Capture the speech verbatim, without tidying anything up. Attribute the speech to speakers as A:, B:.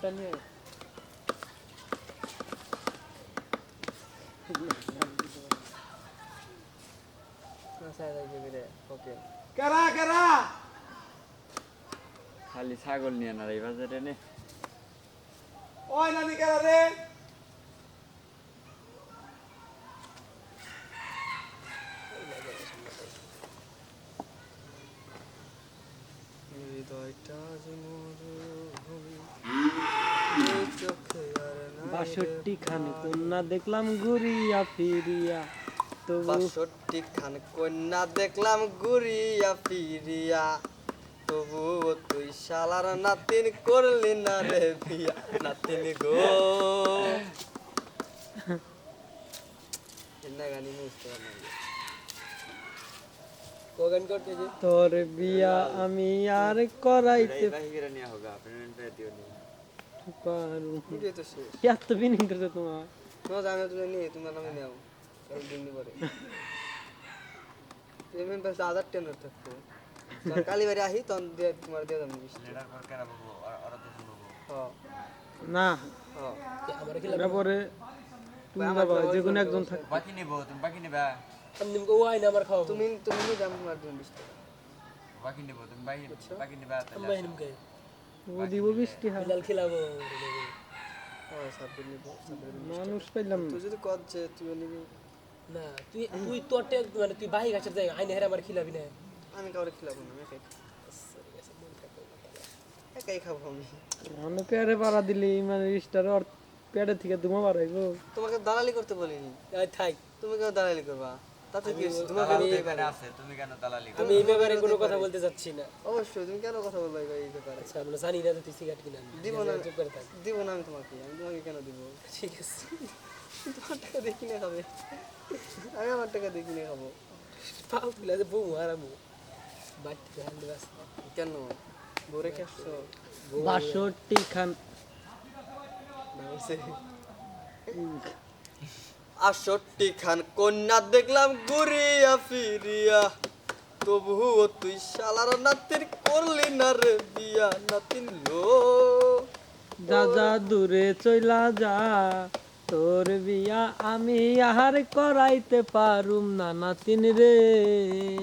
A: একটা নিয়ে ওকে
B: কেরা কেরা
C: খালি ছাগল নিয়ে না রে বাজারে নে
B: ওই নানি কেরা রে হৃদয়টা যে মরুভূমি এই চোখে আর নাই
A: বাষট্টি খান কন্যা দেখলাম ঘুরিয়া ফিরিয়া তবু
B: বাষট্টি খান কন্যা দেখলাম ঘুরিয়া ফিরিয়া তবুও তুই শালার নাতিন করলি না রে বিয়া নাতিন গো এন্না গানি মুস্ত না কোগান করতে যে
A: তোর বিয়া আমি আর করাইতে
C: বাহিরে নিয়ে হোগা পেমেন্ট পে দিও নি
A: পারু
B: ভিডিও তো শেষ
A: এত বিনিং করছে তোমার
B: নো জানো তুমি নিয়ে তোমার নামে নাও কাল দিন পরে পেমেন্ট পাস হাজার টেন থাকতো কালি বাড়ি আহি তখন দিয়ে তোমার দিয়ে দাম বিশ
C: লেডার কর কেন বাবু ওরা তো শুনবো
B: হ্যাঁ
A: না
B: হ্যাঁ
D: আমার কি
A: এরা পরে তুমি যাবা যে কোনো একজন থাকবে
C: বাকি নিব তুমি বাকি নিবা
D: আমি নিমকে ওয়াই না আমার খাওয়া
B: তুমি তুমি নিয়ে দাম তোমার দিন বিশ টাকা
C: বাকি নিব তুমি বাকি বাকি নিবা
D: আমি বাই নিমকে
A: ও দিব বৃষ্টি হয়
D: বিলাল খিলাবো
B: হ্যাঁ সাবমিট নিব সাবমিট
A: মানুষ পাইলাম না
B: তুই যদি কর যে তুই নিবি
D: না তুই তুই তোরটে মানে তুই বাহি গাছের জায়গা আইনে হেরে আমার খিলাবি না
B: আমি কাউরে খিলাবো না আমি একাই একাই খাবো আমি
A: অন্য পেয়ারে পাড়া দিলি মানে রিস্টার আর পেয়ারে থেকে ধুমা বাড়াইবো
B: তোমাকে দালালি করতে বলিনি
D: আই থাক
B: তুমি কেন দালালি করবা তাতে কি হয়েছে? তোমার
C: দালালি
B: কেন
C: এখানে আছে তুমি কেন দালালি
D: আমি এই ব্যাপারে কোনো কথা বলতে যাচ্ছি না
B: অবশ্যই তুমি কেন কথা বলবা এই ব্যাপারে
D: আচ্ছা আমরা জানি না যে তুই সিগারেট কিনা
B: দিব না
D: চুপ করে থাক
B: দিব না আমি তোমাকে আমি তোমাকে কেন দিব
D: ঠিক আছে
B: তোমার টাকা দেখি না খাবে আমি আমার টাকা দেখি না খাবো
D: পাও তুলে যে বউ হারামু বাটি ধ্যান দিবাস
B: কেন বোরে কে আসছো
A: বাষট্টি খান
B: আষট্টি খান কন্যা দেখলাম ঘুরিয়া ফিরিয়া তবুও তুই শালার নাতির করলি না রে বিয়া নাতিন লো
A: যা যা দূরে চইলা যা তোর বিয়া আমি আর করাইতে পারুম না নাতিন রে